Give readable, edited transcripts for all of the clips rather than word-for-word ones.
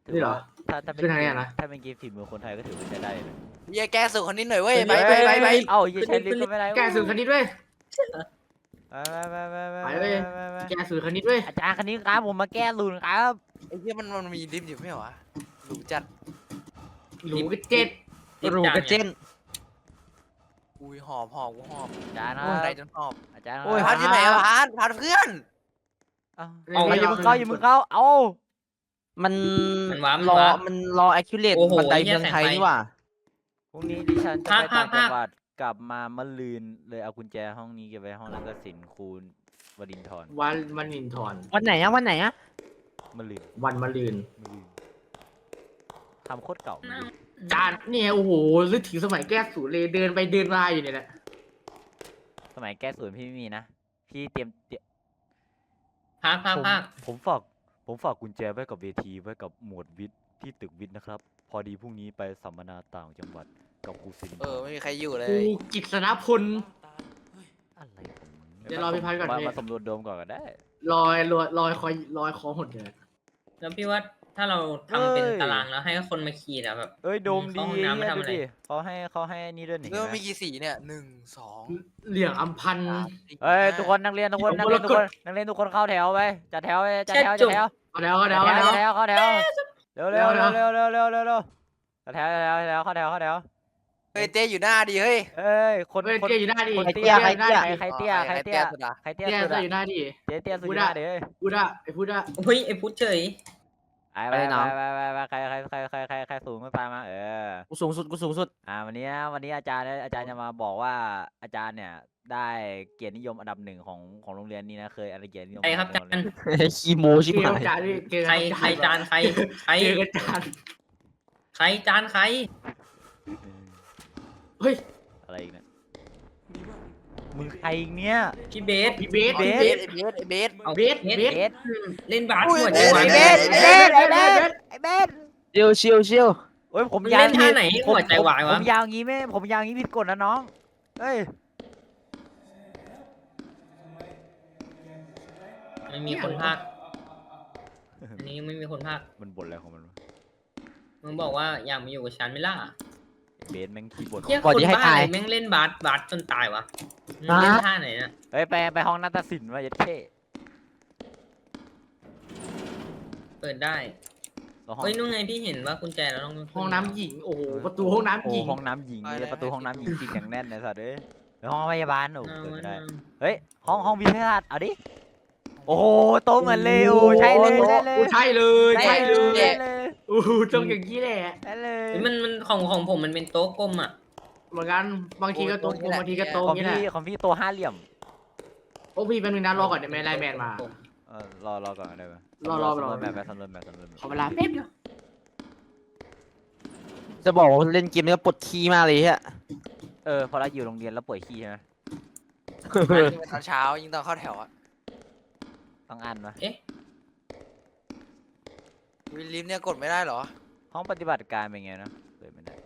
ถือนี่เหรอว่าถ้าเป็นขึ้นทางเนี้ยนะถ้าเป็นเกมฝีมือคนไทยก็ถือว่าใช้ได้เลยเหี้ยแก้สูตรคนนี้หน่อยเว้ยเฮ้ยไปเอ้าอย่าใช้ลิฟต์ก็ไม่ได้แกสูตรคณิตด้วยไปไปเลยแกสูตรคณิตด้วยอาจารย์คณิตครับผมมาแก้รูนครับไอ้เหี้ยมันมีลิฟต์อยู่ไม่เหรอวะหรูจัดหรูกระเจ็ดรูกระเจนอุ้ยหอบกูหอบอาจารย์คโอ้ยรับใจจนหอบอาจารย์โอ้ยพาร์ทที่ไหนอะพาร์ทเพื่อนเอาเอาอย่ามึงเข้าอย่ามึงเข้าเอามันมันว้ารอวมันรอ accurate โอ้โหบันไดเหี้เมืยองไทยแสงไฟนี่หว่าพรุ่งนี้ดิฉันจะไปต่างภาจัคงหวัดกลับมามะรืนเลยเอากุญแจห้องนี้เก็บไว้ห้องนักศิลป์ครูวรินทร์วันมณินทรวันไหนอะวันไหนอะมะรืนวันมะรืนมะรืนทำโคตรเก่าจานเนี่ยโอ้โหนึกถึงสมัยแก้สูตรเลยเดินไปเดินมาอยู่เนี่ยแหละสมัยแก้ศูนย์พี่ไม่มีนะพี่เตรียมภาคผมฝากกุญแจไว้กับเวทีไว้กับหมวดวิทย์ที่ตึกวิทย์นะครับ พอดีพรุ่งนี้ไปสัมมนาต่างจังหวัดกับครูศิลป์ไม่มีใครอยู่เลกูยกิษณพลอะไรของมึงเดี๋ยวรอพี่พัดก่อนพี่มาสำรวจโดมก่อนก็ได้ลอยคอหดเลยแล้วพี่ว่าถ้าเราทำเป็นตารางแล้วให้คนมาขีดอะแบบเอ้ยโดมดีเข้าห้องน้ำมาทำอะไรดูดิเขาให้นี่ด้วยนี่เรื่องเห็นไหมมีกี่สีเนี่ย1 2 เหลี่ยงอัมพันธ์เอ้ยทุกคนนักเรียนทุกคนนักเรียนทุกคนนักเรียนทุกคนเข้าแถวไปจัดแถวไปจัดแถวจัดแถวเอาแล้วเอาจัแล้วดเอาแถแล้ว วจัดแถวเข้าแถวเร็วเร็วเร็วเร็วเร็วเร็วเร็วเร็วจัดแถวจัดแถวจัดแถวเข้าแถวเข้าแถวเฮ้ยเต้อยู่หน้าดิเฮ้ยเอ้ยคนเฮ้ยคนเตี้ยอยู่หน้าดิคนใครเตี้เตี้ยยใครเตี้ยใครเตี้ยสุดอะใครเตี้ยเตี้ยสุดอยู่หน้าดิเตี้ยเตี้ยสุดยอดเลยพูดอะไอ้พูดอะเฮ้ยไอ้พุทธเฉยไปใครสูงก็ตามมากูสูงสุดกูสูงสุดวันนี้อาจารย์จะมาบอกว่าอาจารย์เนี่ยได้เกียรตินิยมอันดับ1ของโรงเรียนนี้นะเคยอะไรเกียรตินิยมใครครับอันดัจานคีโมชิบเกหาม ยจานดิเกมใครจานใครเจอกันจานใครจานใครเฮ้ยอะไรอีกเนี่ยมึงใครอีกเนี่ยพี่เบสพี่เบสเบเบสสไอ้เบสเอาเบสเบเบสสเล่นบาสอุ้ยหัวเบใจสวายไอ้เบสชิวโอ้ยผมมึงยาวเล่นท่าไหนหัวใจวายวะผมยาวงี้ไม่ผมยาวงี้ผิดกฎนะน้องเฮ้ยไม่มีคนภาคอันนี้ไม่มีคนภาคมันบ่นอะไรของมันวะมึงบอกว่าอยากมาอยู่กับฉันไหม่ล่ะเบสแม่งขี้บ่นเฮียคนบ้าอะไรแม่งเล่นบาสจนตายวะมึงเล่นท่าไหนน่ะเฮ้ยไปห้องนาฏศิลป์มาเยัดเท่เปิดได้ห้องเฮ้ยนู่นไงพี่เห็นว่ากุญแจแล้วต้องห้องน้ำหญิงโอ้โหประตูห้องน้ำโอ้หญิงห้องน้ำหญิงเลยประตูห้องน้ำหญิงจริงอย่างแน่นเลยสัตว์เอ้ยไปห้องพยาบาลโอ้เปิดไม่ได้เฮ้ยห้องวิทยาศาสตร์เอาดิโอ้โหโตเหมือนเลยโอ้ใช่เลยใช่เลยใช่เลยใช่เลยใช่เลยโอ้โหตรงอย่างนี้แหละใช่เลยมันของผมมันเป็นโต๊ะกลมอ่ะเหมือนกันบางทีก็ตรงบางทีก็ตรงของนี่แหละพี่ตัวห้าเหลี่ยมโอ้พี่เป็นนึงนะรอก่อนเดี๋ยวแม่ไลน์แมนมารอก่อนได้ไหมรอสำรวจแบบสำรวจแบบขอเวลาแป๊บเดียวจะบอกว่าเล่นเกมนี้ก็ปวดขี้มากเลยฮะพอเราอยู่โรงเรียนแล้วป่วยขี้ใช่ไหมตอนเช้ายิ่งตอนเข้าแถวอะต้องอ่านปะวิลลิฟเนี่ยกดไม่ได้เหรอห้องปฏิบัติการเป็นไงนะเปิดไม่ได้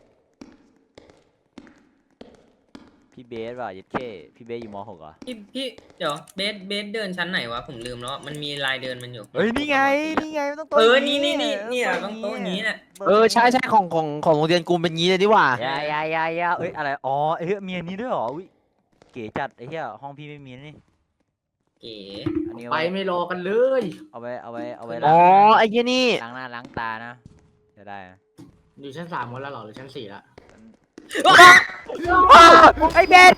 พี่เบสว่ะยัดเข้พี่เบสอยู่ม .6 เหรอพี่เดี๋ยวเบสเดินชั้นไหนวะผมลืมแล้วมันมีลายเดินมันอยู่เฮ้ยนี่ไงมันต้องโต๊ะนี่ต้องโต๊ะอย่างนี้แหละใช่ของโรงเรียนกูเป็นงี้เลยดีกว่าอย่าเอ้ยอะไรอ๋อมีอันนี้ด้วยเหรออุ้ยเก๋จัดไอ้เหี้ยห้องพี่ไม่มีนี่เก๋อันนี้ไปไม่รอกันเลยเอาไว้อ๋อไอ้เหี้ยนี่ล้างหน้าล้างตานะจะได้นะอยู่ชั้น3กันแล้วหรอหรือชั้น4ละไอ้เบส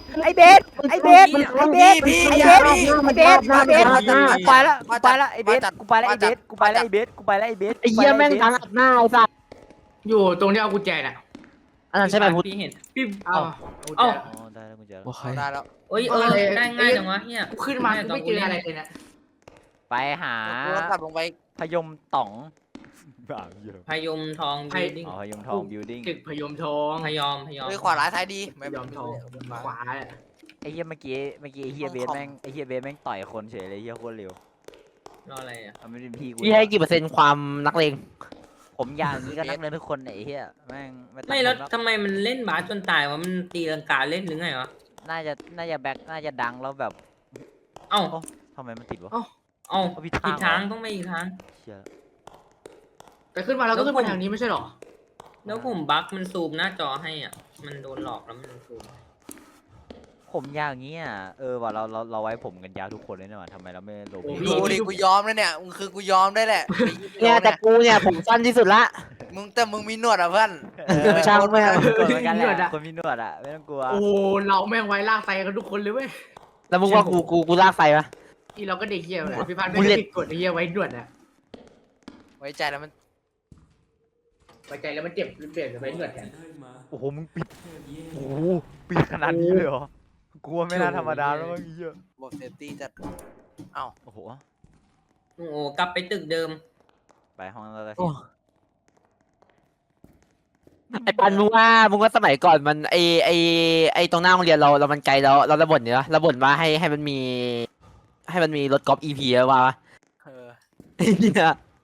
ไปละไอ้เบสกูไปละไอ้เบสไอ้เหี้ยแม่งทั้งอัดหน้าไอ้สัสอยู่ตรงที่เอากุญแจน่ะอันนั้นใช่ไหมพุทธพี่เห็นพี่เอาอ๋อได้แล้วกูเจอโอเคได้แล้วเอ้ยได้ง่ายจังวะเฮียกูขึ้นมากูไม่เจออะไรเลยนะไปหากูต้องกลับลงไปพยมต่องบ้าเยอะพยมทองบิลดิ้งพยมทองบิวดิ้งตึกพยมทองพยอมเฮ้ยขวาร้ายท้ายดีพยมทองขวาแหละไอ้เหี้ยเมื่อกี้ไอ้เหี้ยเบสแม่งต่อยคนเฉยเลยเหี้ยโคตรเร็วรออะไรอ่ะไม่เป็นพี่กูพี่ให้กี่เปอร์เซ็นต์ความนักเลงผมอย่างนี้ก็นักเรียนทุกคนไอ้เหี้ยแม่งไม่แล้วทำไมมันเล่นบาสจนตายวะมันตีลังกาเล่นหรือไงวะน่าจะแบ็คน่าจะดังแล้วแบบเอ้าทำไมมันติดวะเอ้าผิดอีกทาทาง งต้องไปอีกทางเชี่ยแต่ขึ้นมาแล้วก็ขึ้นมาทางนี้ไม่ใช่หรอแล้วผมบั๊กมันซูมหน้าจอให้อ่ะมันโดนหลอกแล้วมันซูมผมยาวอย่างเงี้ยว่าเราไว้ผมกันยาวทุกคนเลยเนี่ยว่ะทำไมเราไม่ลงดูดิกูยอมแล้วเนี่ยมึงคือกูยอมได้แหละเนี่ยแต่กูเนี่ยผมสั้นที่สุดละมึงมีหนวดอ่ะเพื่อนช่างไม่เอากดเหมือนกันแหละคนมีหนวดอ่ะไม่ต้องกลัวโอ้เราแม่งไว้ลากไซกันทุกคนเลยเว้ยแล้วมึงว่ากูลากไฟปะที่เราก็เด็กเหี้ยเลยพี่พันธ์บุไม่ลเลได้ตผิดกฎไอ้เหี้ยไว้ด่วนอะไว้ใจแล้วมันไว้ใจแล้วมันเจ็บเปลี่ยนไว้ด่วนแทนโอ้โหมึงปิดโอ้โหปิดขนาดนี้เลยเหรอกลัวไม่น่าธรรมดาแล้วมั้งเหี้ยบอกเซฟตี้จัดเอ้าโอ้โหโอ้โหกลับไปตึกเดิมไปห้องเราเลยโอ้ไอ้ปันมึงว่าสมัยก่อนมันไอตรงหน้าโรงเรียนเรามันไกลแล้วเราบ่นเนี่ยเราบ่นว่าให้มันมีรถกอล์ฟ EP เยอะว่ะเออไอ้เนี่ย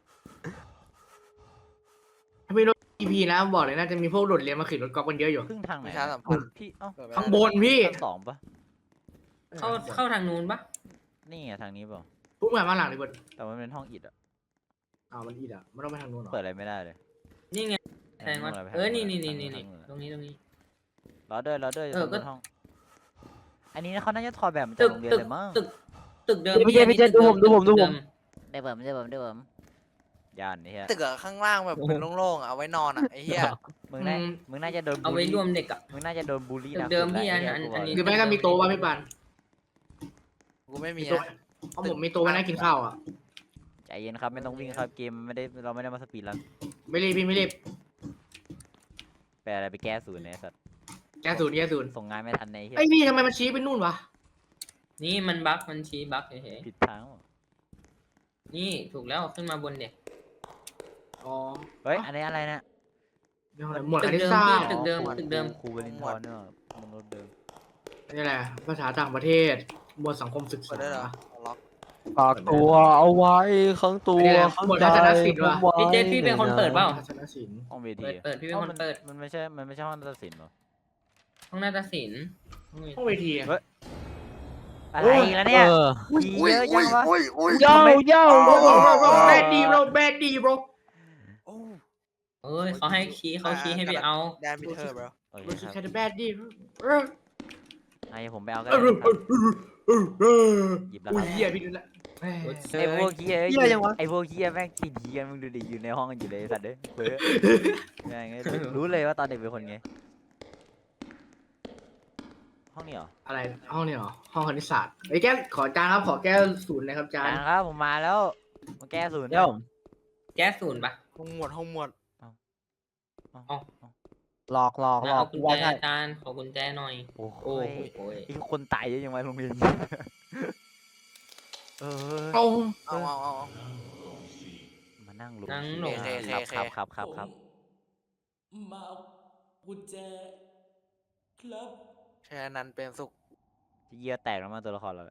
ถ้าไม่รถ EP นะบอกเลยน่าจะมีพวกโดดเรียนมาขึ้นรถกอล์ฟกันเยอะอยู่ครึ่งทางไหนประชาสัมพันธ์พี่เอ้าข้างบนพี่ชั้นสองปะเข้าทางนู้นปะนี่ไงทางนี้เปล่าพุ่งมาหลังเลยบนแต่มันเป็นห้องอิฐอ่ะมันอีดอะมันต้องไปทางนู้นหรอเปิดอะไรไม่ได้เลยนี่ไงแสดงว่านี่ตรงนี้รอด้วยเออก็ห้องอันนี้เขาน่าจะถอดแบบมาจากตึกโรงเรียนตึกเลยมั้งตึกเดิมพี่เจดูผมได้เบิ่มย่านนี่ฮะตึกอะข้างล่างแบบเป็นโล่งๆอะเอาไว้นอนอะไอ้เหี้ยมึงน่าจะโดนเอาบูลไว้ลี่รวมเด็กอ่ะมึงน่าจะโดนบูลลี่ตึกนะเดิมพี่สุดละอันนี้หรือไม่ก็มีโต๊ะว่าพี่ปันกูไม่มีโต๊ะนะเอาผมมีโต๊ะไว้นั่งกินข้าวอ่ะใจเย็นครับไม่ต้องวิ่งครับเกมเราไม่ได้มาสปีดรันไม่รีบพี่ไม่รีบแปลอะไรไปแก้ศูนย์เนี่ยสัตว์แก้ศูนย์ส่งงานไม่ทันในเฮียไอ้พี่ทำไมมันชี้ไปนู่นวะนี่มันบั๊กมันชี้บั๊กเฉยผิดทางว่ะๆนี่ถูกแล้วขึ้นมาบนเด็กอ๋อเฮ้ยอันนี้อะไรเนี่ยหมวดตึคกณิตเดิมศาพี่สตร์ตึกเดิมตึกเดิมครูบรินทร์เนี่ยมันรถเดิมนี่แหละภาษาต่างประเทศหมวดสังคมศึกเปิษาดได้เหรอล็อกฝากตัวเอาไว้ข้างตัวหมวดทัศนศิลป์วะพี่เจพี่เป็นคนเปิดเปล่าทัศนศิลป์ห้องเวทีเปิดพี่เป็นคนเปิดมันไม่ใช่ห้องตัดสินหรอห้องนาฏศิลป์ห้องเวทีอะอะไรอีกแล้วเนี่ยผีเยอะจังวะโย่แบดดีโบรแบดดีโบรเอ้ยเขาให้ชี้ให้ไปเอาแดนมิเทอร์บรโอเครู้สึกครับแค่แบดดีให้ผมไปเอากัน หยิบแล้วอุ้คยรับเหี้ยพี่ดูละไอ้พวกเฮียเหี้ยยังวะไอ้พวกเฮียแม่งติดเฮียมึงดูดิอยู่ในห้องกันอยู่เลยสัตว์เด้อเฟ้อแม่งรู้เลยว่าตอนเด็กเป็นคนไงห้องนี้เหรออะไรห้องนี้เหรอห้องคณิตศาสตร์ไอ้แก้ขอจานครับขอแก้วศูนย์นะครับจานครับผมมาแล้วมาแก้ศูนย์เดี๋ยวแก๊สศูนย์ปะห้องหมวดหลอกเอากุญว่าแจใช่อาจารย์ขอกุญแจหน่อยโอ้โหโอ้โหไอ้คนตายเยอะยังไงโรงเรียนเออโอ้เอามานั่งลงนั่งลงครับมาเอากุญแจครับแค่นั้นเป็นสุขเยี่ยแตกแล้วมาตัวละครเรา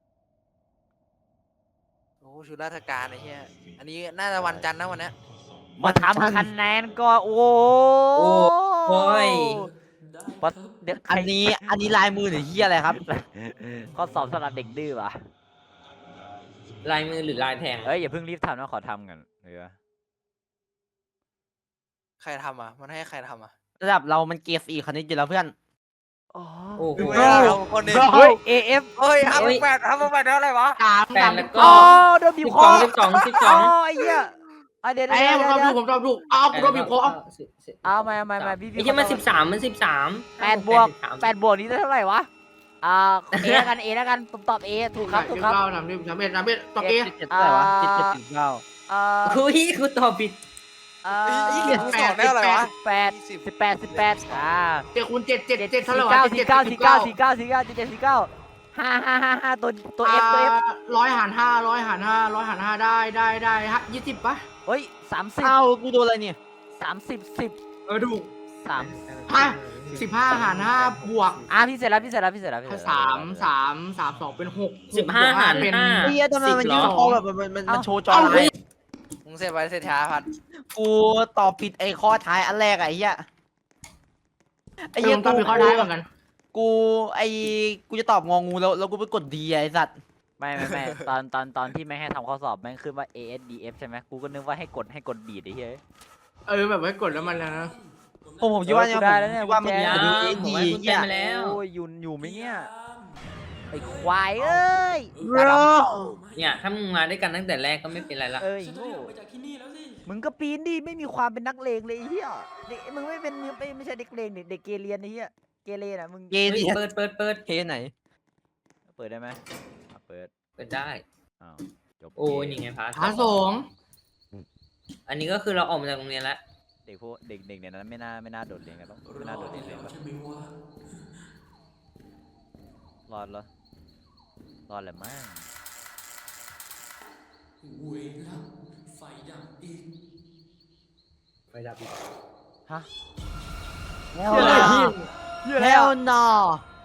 โอ้ชุดราชการไอ้เหี้ยอันนี้น่าจะวันจันทร์นะวันเนี้ยมาทำคะแนนก็โอ้โอ้ยปัดเด็กอันนี้ลายมือหรือเหี้ยอะไรครับข้อสอบสำหรับเด็กดื้อว่ะลายมือหรือลายแทงเอ้ยอย่าเพิ่งรีบทำนะขอทำกันเออใครทำอ่ะมันให้ใครทำอ่ะระดับเรามันเกรด4คณิตอยู่แล้วเพื่อนโอ้โหดูไม่ได้เราคนนี้เฮ้ย AF เฮ้ยทำแปดเท่าไหร่วะแปดแล้วก็อ๋อโดนบีบคอ 12 12 อ๋อไอ้เหี้ยเดี๋ยวไอ้ผมชอบดูอ้าวกูโดนบีบคอเอามาพี่ไอ้ที่มัน13 8 บวกนี้ได้เท่าไหร่วะเอแล้วกันผมตอบ A ถูกครับทำดิทำเอ็ดต่อเอ 7เท่าไหร่วะ7.9 คุยกูตอบผิดยี่สิบสองได้อะไรวะ 18 เจ็ดคูณเจ็ดเท่าไหร่วะ 49 5 ตัว F 100 หาร 5ได้20ปะเฮ้ย30 เอ้ากูโดนอะไรเนี่ย 10 ถูก 3 15 หาร 5 บวกพี่เสร็จแล้ว 3 2 เป็น 6 15 หารเป็น 5 ไอ้เหี้ยทำไมมันยืนคอแบบมันโชว์จออะไรมึงเสร็จไปเสร็จช้าพัดกูตอบผิดไอ้ข้อท้ายอันแรกไอ้เหี้ยไอ้ยังต้องมีข้อได้เหมือนกันกูจะตอบงองูแล้วกูไปกดดีไอ้สัตว์ไม่ตอนที่ไม่ให้ทำข้อสอบแม่งขึ้นว่า ASDF ใช่ไหมกูก็นึกว่าให้กดดีดไอ้เหี้ยแบบไว้กดแล้วมันแล้วนะผมคิดว่าเนี่ยได้แล้วเนี่ยว่ามันกุญแจยังดูผมดีให้กุญแจเนี่ยมาแล้วโอ้ยอยู่ไหมเนี่ยไอ้ควายเอ้ยเนี่ยถ้ามึงมาด้วยกันตั้งแต่แรกก็ไม่เป็นไรละเอ้ยฉันจะโง่ออกไปจากที่นี่แล้วสิมึงก็ปีนดิไม่มีความเป็นนักเลงเลยไอ้เหี้ยเด็กมึงไม่เป็นไม่ใช่เด็กเลงเด็กเกเรไอ้เหี้ยเกเรน่ะมึงเกเฮ้ยเรเปิดเทไหนเปิดได้ไหมเปิดเปิดได้อ้าวจบโอ้ยเกมนี่ไงพาร์ทพาร์ทสองอันนี้ก็คือเราออกมาจากโรงเรียนแล้วเด็กพวกเด็กเนี่ยนั้นไม่น่าโดดเรียนกันหรอกไม่น่าโดดเรียนเลยใช่ไหมวะรอดเหรอรอดแหละมั้งเวรละไฟดับอีกไปดับอีกฮะ Hell no